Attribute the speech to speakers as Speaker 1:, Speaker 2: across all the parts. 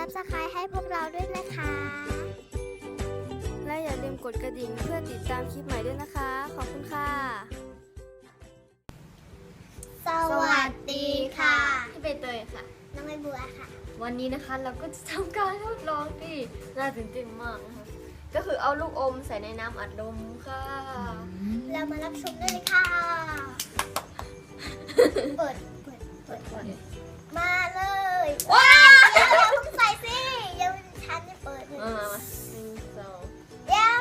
Speaker 1: Subscribe ให้พวกเราด้วยนะคะ
Speaker 2: และอย่าลืมกดกระดิ่งเพื่อติดตามคลิปใหม่ด้วยนะคะขอบคุณค่ะ
Speaker 1: สวัสดีค่ะ
Speaker 2: พี่ใบเตยค่ะ
Speaker 1: น้องใบบัวค่ะ
Speaker 2: วันนี้นะคะเราก็จะทำการทดลองที่น่าตื่นเต้นมากนะคะก็คือเอาลูกอมใส่ในน้ำอัดลมค่ะ
Speaker 1: เรามารับชมได้เลยค่ะ เปิดมาเลยว้าวอย่าเพิ่งใส่สิยังฉันจะเปิดเลย
Speaker 2: มาหนึ่งสอง
Speaker 1: เดี๋ยว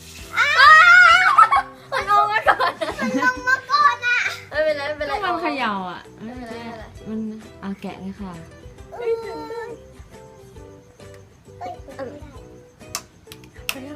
Speaker 2: มันลงมาก่อน
Speaker 1: มันลงมาก่อนอ่ะ
Speaker 2: ไม่เป็นไรไม่เป็นไร
Speaker 3: ต้องมันเขย่าอ่ะ
Speaker 2: ไม่เป็นไรไม่เป็นไร
Speaker 3: มันเอาแกะเลยค่ะ
Speaker 1: เอ้ยเปิดไม่ได้
Speaker 2: ไปแล้ว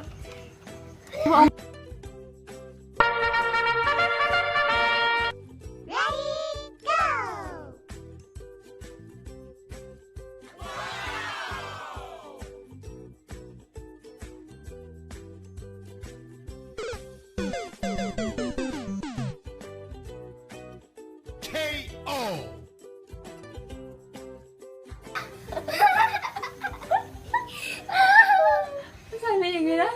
Speaker 4: KO.
Speaker 3: ใส่ไปอย่างนี้นะ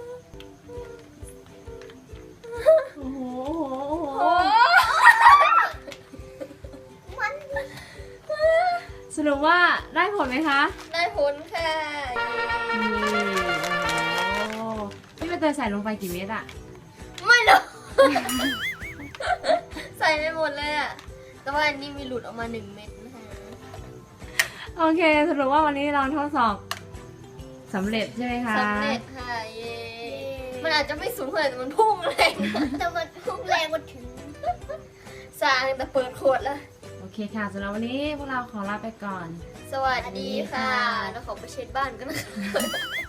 Speaker 3: โอ้โหโอ้โห
Speaker 1: มัน
Speaker 3: สรุปว่าได้ผลไหมคะ
Speaker 2: ได้ผลค่ะ
Speaker 3: นี่โอ้โหพี่ใบเตยใส่ลงไปกี่เม็ดอะ
Speaker 2: ไม่รู้ ใส่ไปหมดเลยอะแต่ว่าอันนี้มีหลุดออกมา1 เม็ดนะคะ
Speaker 3: โอเค สรุปว่าวันนี้เราทดสอบสำเร็จใช่ไหมคะ
Speaker 2: สำเร็จค่ะเย้มันอาจจะไม่สูงเท่าไหร่แต่มันพุ่งแรง
Speaker 1: แต่มันพุ่งแรงมาถึง
Speaker 2: สร้างแต่เปิดขวดแล้ว
Speaker 3: โอเคค่ะสำหรับวันนี้พวกเราขอลาไปก่อน
Speaker 2: สวัสดีค่ะ แล้วขอไปเช็ดบ้านกันนะคะ